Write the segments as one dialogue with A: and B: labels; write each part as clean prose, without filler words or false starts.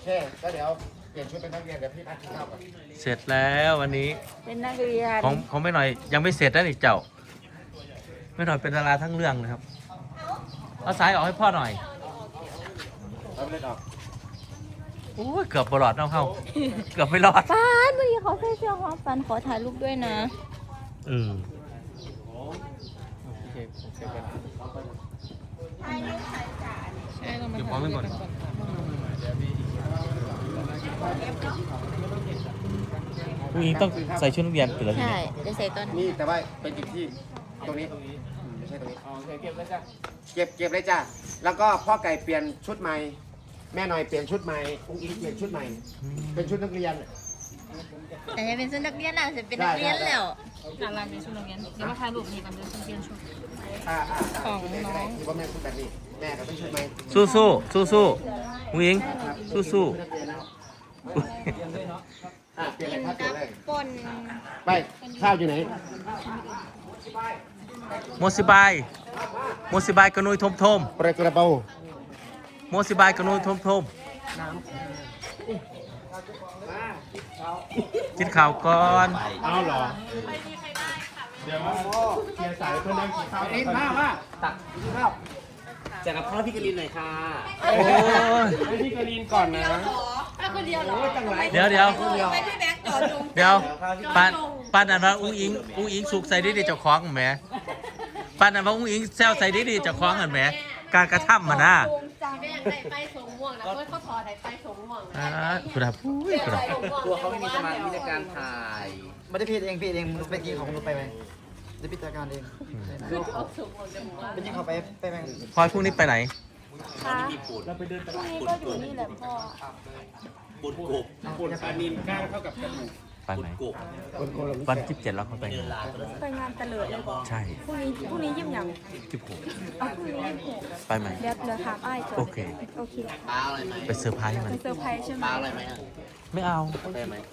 A: เคก็เดี๋ยวเปลี่ยนชุดเป็นนักเรียนเดี๋ยวพี่นัดกินข้าวก่อน
B: เสร็จแล้ววันนี้
C: เป็นนักเรียน
B: ของไม่หน่อยยังไม่เสร็จนะนี่เจ้าไม่หน่อยเป็นดาราทั้งเรื่องนะครับเอาสายออกให้พ่อหน่อย
A: เอาไปเล่นออก
B: โอ้ยเกือบบลอดน้องเขาเกือบไม่รอด
C: ฟันเมื่อกี้เขาใส่เสื้อหอมฟันขอถ่ายรูปด้วยนะ
B: อืม
C: ใช่เรามา
B: เก็บของไว้ก่อนผู้หญิงต้องใส่ชุดนักเรียนไปแล้วที
C: ใช่
B: นี้
C: เดี๋ยวใส่ตอนนี้
A: นี่แต่ว่าเป็นจุดที่ตรงนี้ไม่ใช่ตรงนี้เก็บเลยจ้ะเก็บเลยจ้ะแล้วก็พ่อไก่เปลี่ยนชุดใหม่แม่หน่อยเปลี่ยนชุดใหม่อุ้งอิงเปลี่ยนชุดใหม่ เป็นชุดนักเรียน
C: แต่จะเป็นชุดนักเรียนนะจะเป็นนักเรียนแล้ว
D: เราเป็นชุดนักเรียนเดี๋ยวมาถ่ายรูปนี่กันเดี๋ยวฉันเปลี่ยนชุด
C: ของน้อง
A: ที่ว่าแม่ชุดแบบนี้แม่ก็เป็นชุดใหม่
B: สู้สู้สู้สู้ผู้หญิงสู้สู้
A: ชุดนักเรียนแล้วเปลี่ยนเลยครับเปลี่ยนเลย
C: ป่น
A: ไปข้าวอยู่ไหน
B: โมสิบายโมสิบายกระนุยทมทม
A: ประกระเป๋า
B: โมสิบายกระนุยทมทมกินข้าวก่อน
A: เอาเหรอเดี๋ยวเกียร์สายเพื่อนนั่งกินข้าวนี่มาตักกินข้าวแจกกับข้าวพี่กลินหน่อยค่ะ
B: โอ้ย
A: ให้พี่กลินก่อนนะ
D: คนเดียวเหรอ
B: เดี๋ยวเดี๋ยว
D: ไปพี่แบงค์จอดลง
B: เดี๋ยวปานอันว่าอุ้งอิงสุกใส่ดีดีเจ้าของแหมปานอันว่าอุ้งอิงแซวใส่ดีดีเจ้าของกันแหมการกระทำมานะ
D: แม่ได้ไปสงม่วงนะเพื่อนเขาถอดได้ไปสงม่วง
B: คุณครับคุณครับ
E: ตัวเขาไม่มีสมาธิในการถ่าย ไม่ได้พี่เองไปกินของนุไปไหมได้พิจารณาเองไปกินเขาไปไหม
B: พลอยพรุ่งนี้ไปไหน
C: ค่ะพรุ่งนี้ก็อยู่นี่แหละพ่อ
A: คนปลานินก้างเท่ากับกระดูก
B: ไปไหม
A: คนละ
B: วันที่7แล้วเขาไปไหน
C: ไปงานเตลิดเลยบอก
B: ใช่
C: พรุ่งนี้ยิ้มยัง
B: ที่ผม
C: เอาพรุ่งนี้ยิ้มหก
B: ไปไหม
C: เดี๋ยวถามอ้ายก่อน
B: โอเค
C: โอเค
E: ปลาอะไรไหม
B: ไปเซอร์ไพรส์มัน
C: เป็นเซอร์ไพรส์ใช่ไหม
E: ปลาอะไรไหม
B: ไม่เอา
E: ได้ไหม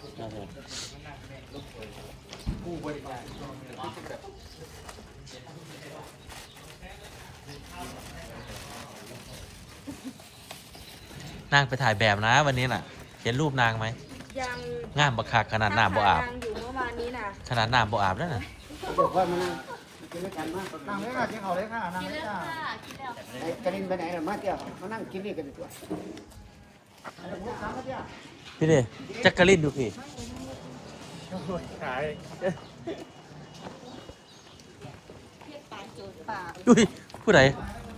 B: นางไปถ่ายแบบนะวันนี้น่ะ เห็นรูปนางไหม
C: ยัง
B: งามบักคักขนาดหน้าบ่อาบ
C: นั่งอยู่เมื่อวานนี้นะ
B: ขนาดหน้าบ่อาบแล้วน่ะ
A: บอกว่ามันกินด้วยกันมาก
E: นั่งเลยค่ะกินเขาเลยค่ะนั่งเลยค่ะ
A: ไอ้กระดินไปไหนล่ะมาเที่ยวมานั่งกินนี่กันดีกว่า
B: พี่เดจักรินดูพี่
A: ขาย
B: อุ้ยผู้ใด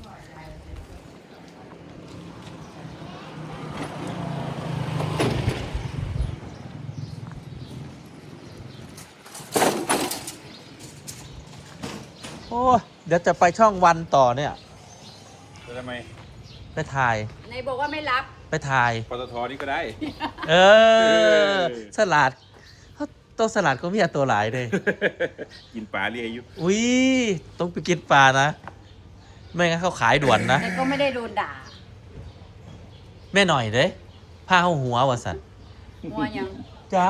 B: โอ้ยเดี๋ยวจะไปช่องวันต่อเนี่ย
F: ทำไม
B: ไปถ่าย
D: ในบอกว่าไม่รับ
B: ไปถ่าย
F: ปตทนี่ก็ได้
B: เออ สลัดตัวสลัดก็มีตัวหลายเลย
F: กินปลาเรียอายุ
B: อุ้ยต้องไปกินปลานะ ไม่งั้นเขาขายด่วนนะ
D: แต่ก็ไม่ได้โดนด่า
B: แม่หน่อยเด้ผ้าเข้าหัววะสัน
D: มัวยัง
B: จัก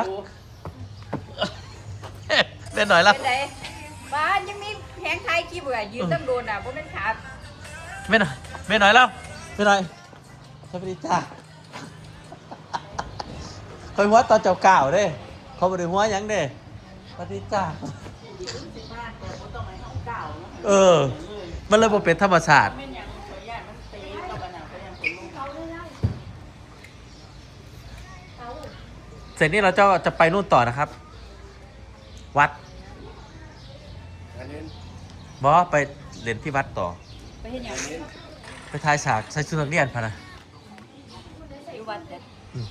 B: แม่หน่อยละ
D: เป็นไรบ้านยังมีแผงไทยขี้เบื่อยืนต้องโดนด่าเพราะเป็นขา
B: แม่หน่อยแม่หน่อยแล้วแม่หน่อยสวัสดีจ้าคอยหัวตอนเจ้าก่าวเด้เขาบริหัวหยังเด้สวัสดีจ้าเออ มันเลยบ่เป็นธรรมชาติเสร็จนี้เราจะไปนู่นต่อนะครับ วัด
A: อันนี้
B: บอไปเรียนที่วัดต่อ
D: ไปเห็นอย่าง
B: ไปทายฉากใส่ชุดนักเรียนพะนะ
D: ใส่วัดเด็ด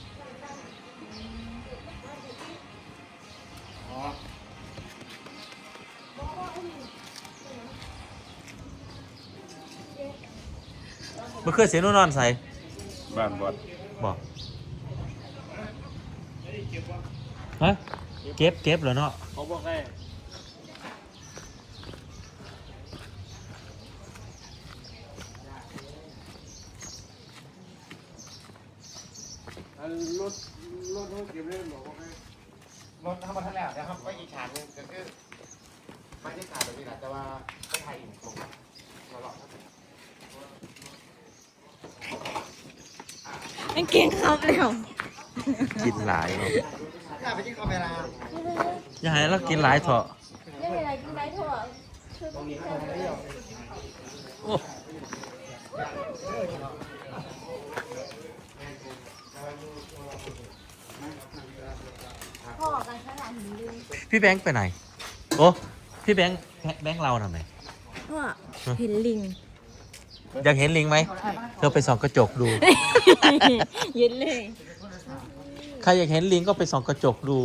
B: เมื่อคืนเสียนุ่นนอนใส่
F: บ้านบอด
B: บอกฮะเก็บเหรอเนาะ
A: เขาบอกให้รถเขาเก็บเล่นบอกว่าให้รถทำมาทั้งแล้วเดี๋ยวครับไปอีกฉากนึงก็คือไม่ได้ฉากแบบนี้แหละแต่ว่าไปถ่ายอีกตรงตลอดครับ
C: กางเกงครับแล้ว
B: กินหลายเนาะ
E: อยากไปที่คาเมรา
B: อย่าให้เรากินหลายเถอะ
C: ได้อะไรกินไรทั่วคือมีแค่นี้
B: โอ้
C: พ่อกันขนาดนี้เลย
B: พี่แบงค์ไปไหนโอ้พี่แบงค์เราทำไม
C: พ่อเห็นลิง
B: อยากเห็นลิงไหมเธอไปส่องกระจกดู
C: ยืนเลย
B: ใครอยากเห็นลิงก็ไปส่องกระจกดู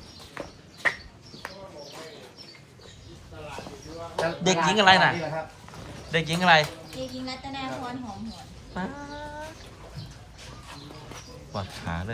B: เด็กหญิงอะไรน่ะ เด็กหญิงอะไร
C: เด็กหญิงรัตนาพรหอมหวน
B: ป๊าดปวดขาเลย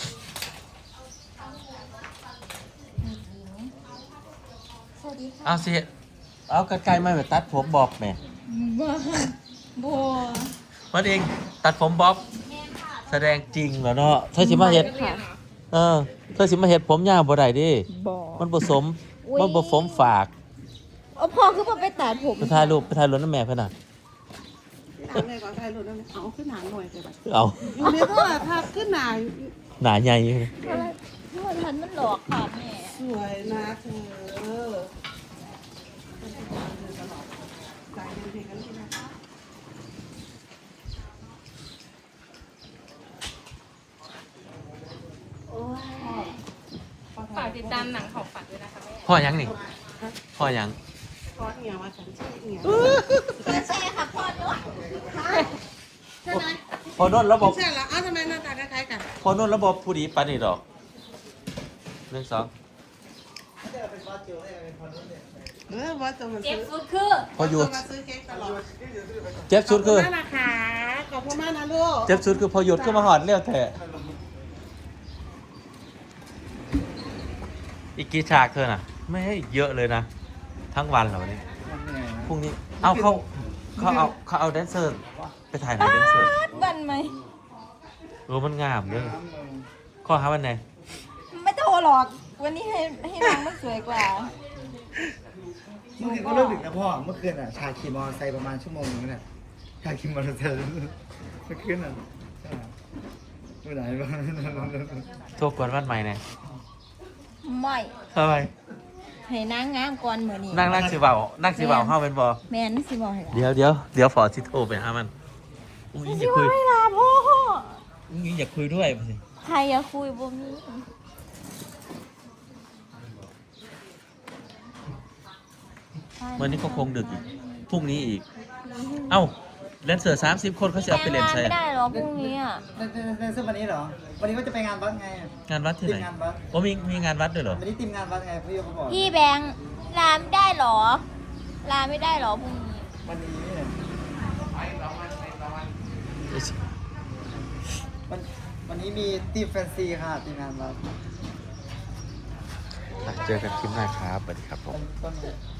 C: สวัสดีค่ะ
B: เอาสิเอากระไกลมาแบบตัดผมบอกแม่
C: บัว
B: มันเองตัดผมบ๊อบแสดงจริงเหรอเนาะเธอสิมาเห็ด
C: ค่ะ
B: เธอสิมาเห็ดผมยาวบ่ได้ดิ
C: บ่
B: มันผสม
C: อุ๊ย
B: มันผสมฝาก
C: พ่อคือพ่อไปตัดผม
B: ไปถ่ายรูปนั่นแม่เพื่อนน่ะ
G: เอาเลยก่อนถ่ายรูปนั่นเอาขึ้นหนาหน่อยไปบัด
B: เอา
G: อยู่ในโทรทัศน์ขึ้นหนา
B: หนาใหญ่
C: พ่อทันมันหลอกค่ะแม่
G: สวยนะเธอใจเย็นๆกันเลยนะคะ
C: โอ้ย
H: ฝากติดตามหนังของฝันด้วยนะคะแม่
B: พ่อยังนี่พ่อยัง
G: พอเหี่ยวมาฉันชื่อเหี่ยว
C: ไม่ใช่ค่ะพ่อด้วย
G: ใช่ไหม
B: พอนนระบบ
G: ใช่แล้วอ้าวทำไมหน้าตาคล้ายๆกัน
B: พอนนระบบผู้ดีปานนี่ดอก1 2
G: ว่าจะมา
C: เจ็บ
G: ซื้อ
C: สุดคือ
B: พอหยุด
G: มาซื้อเค้กตลอด
B: เจ็บสุดคือ
G: ขอบณมากนะคะขอบคุณมากนะลูก
B: เจ็บสุดคือพอหยุดก็มาหอดเร็วแท้อีกกี่ฉากเธอน่ะ ไม่ให้เยอะเลยนะ ทั้งวันเหรอวันนี้พรุ่งนี้เอาเขาเอาแดนเซอร์ไปถ่ายไหนแดนเซอร์
C: บันไหม
B: มันงามเลยข้อหาวันไหน
C: ไม่โทรหรอก วันนี้ให้น้องมันสวยกว่า
E: เมื่อคืนก็เลิกดึกนะพ่อ เมื่อคืนอ่ะ ชาขี่มอเตอร์ไซค์ประมาณชั่วโมงนึงน่ะชาขี่มอเตอร์ไซค์เมื่อคืนอ่ะใช่เมื่อไหร่บ้าง
B: โทษกวนวันใหม่เนี่ย
C: ไม่
B: ทำไม
C: ให้นางงามก่อนเหมือนนี้
B: นั่งสิเบาเข้าเป็นบอ
C: แม่นสิบอกให้ล่ะ
B: เดี๋ยวฝอสิโทรไปหามันอุ้ยอ
C: สิ
B: ย่า
C: บ
B: คุ
C: อย กให้ล่ะพ่อ
B: อุ้ยอย่าคุยด้วยสิ
C: ใครอยากคุยบ่มี
B: วันนี้ก็คงดึกอีกพรุ่งนี้อีก เอ้าแดนเซอร์30 คนเขาจะเอาไปเล่น
C: งาน
B: ใช่
C: ไม่ได้หรอพรุ่งนี้อ่ะ
E: ในเสื้อวันนี้เหรอ วันนี้ว่าจะไปงานวัดไง
B: งานวัดที่ไหน
E: ทีมงานวัด
B: ว่ามีงานวัดด้วยเหรอ
E: วันนี้ทีมงานวัดไงพี่โยเขาบอก
C: พี่แบงค์ลาไม่ได้หรอ ลาไม่ได้หรอพรุ่งนี้
E: วันนี้วันนี้มีทีมแฟนซีค่ะทีมงานวัด
B: เจอกันคลิปหน้าครับสวัสดีครับผม
E: ต้น